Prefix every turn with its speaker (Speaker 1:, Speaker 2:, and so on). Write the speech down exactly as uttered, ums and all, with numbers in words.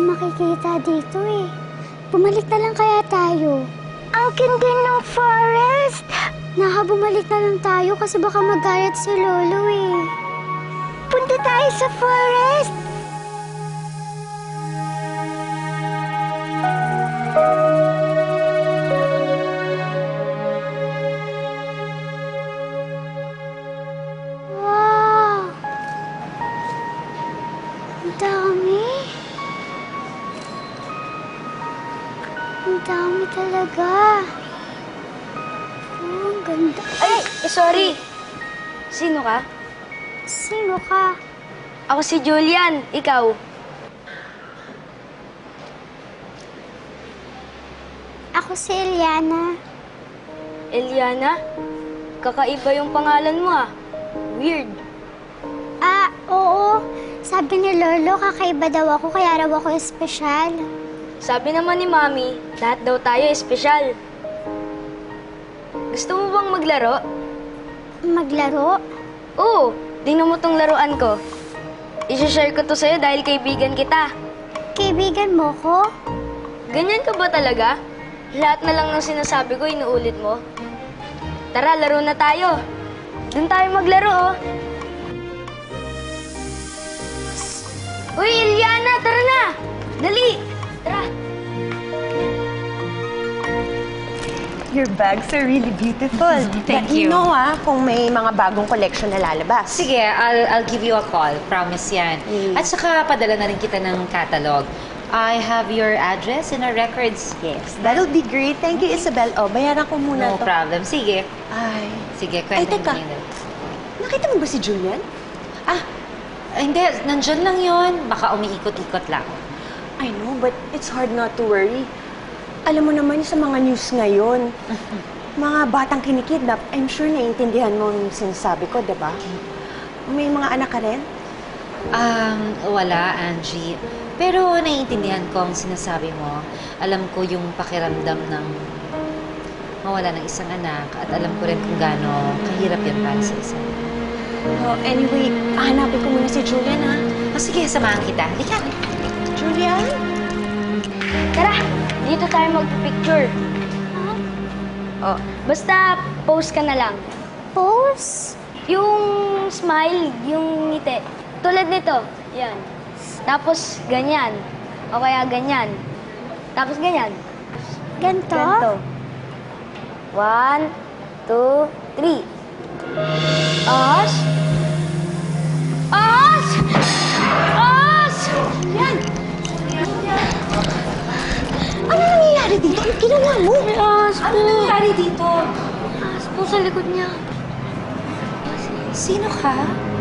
Speaker 1: makikita dito eh. Bumalik na lang kaya tayo. Ang ganda ng forest! Naka, bumalik na lang tayo kasi baka magalit si Lolo eh. Punta tayo sa forest! Wow! Ang dami! Ang dami talaga! Oh, ang ganda!
Speaker 2: Ay, eh, sorry. Sino ka?
Speaker 1: Sino ka?
Speaker 2: Ako si Julian. Ikaw?
Speaker 1: Ako si Eliana.
Speaker 2: Eliana? Kakaiba yung pangalan mo ah. Weird.
Speaker 1: Ah, oo. Sabi ni Lolo, kakaiba daw ako, kaya raw ako espesyal.
Speaker 2: Sabi naman ni Mami, lahat daw tayo espesyal. Gusto mo bang maglaro?
Speaker 1: Maglaro?
Speaker 2: Oo, tingnan mo tong laruan ko. I-share ko to sa'yo dahil kaibigan kita.
Speaker 1: Kaibigan mo ko?
Speaker 2: Ganyan ka ba talaga? Lahat na lang ng sinasabi ko, inuulit mo. Tara, laro na tayo. Doon tayo maglaro, oh. Uy, Eliana, tara na! Dali! Tara!
Speaker 3: Your bags are really beautiful.
Speaker 4: Thank
Speaker 3: Let me
Speaker 4: you.
Speaker 3: know ah, kung may mga bagong collection na lalabas.
Speaker 4: Sige, I'll, I'll give you a call. Promise yan.
Speaker 3: Mm.
Speaker 4: At saka padala na rin kita ng catalog. I have your address in our records.
Speaker 3: Yes, that'll be great. Thank you, Isabel. Oh, bayaran ko muna
Speaker 4: No
Speaker 3: to.
Speaker 4: problem. Sige.
Speaker 3: Ay.
Speaker 4: Sige,
Speaker 3: Ay,
Speaker 4: kwento
Speaker 3: teka.
Speaker 4: mo yun.
Speaker 3: Nakita mo ba si Julian?
Speaker 4: Ah, hindi. Nandyan lang yon. Baka umiikot-ikot lang.
Speaker 3: I know, but it's hard not to worry. Alam mo naman sa mga news ngayon, mga batang kinikidnap, I'm sure naiintindihan mo yung sinasabi ko, di ba? May mga anak ka rin?
Speaker 4: Um, wala, Angie. Pero naiintindihan ko ang sinasabi mo. Alam ko yung pakiramdam ng mawala ng isang anak at alam ko rin kung gaano kahirap yan para sa isa.
Speaker 3: Oh, anyway, hanapin ko muna si Julian, ha?
Speaker 4: O sige, samahan kita. Halika.
Speaker 3: Julian?
Speaker 2: Tara! Dito tayo magpipicture. Oh, basta pose ka na lang.
Speaker 1: Pose?
Speaker 2: Yung smile, yung ngiti. Tulad nito. Yan. Tapos ganyan. O kaya ganyan. Tapos ganyan.
Speaker 1: Ganto?
Speaker 2: Ganito. One, two, three. As. As! As!
Speaker 3: Yan! Ano nangyayari dito? Ano ginawa mo?
Speaker 2: May as po.
Speaker 4: Ano nangyari dito?
Speaker 2: As po sa likod niya.
Speaker 4: Sino ka?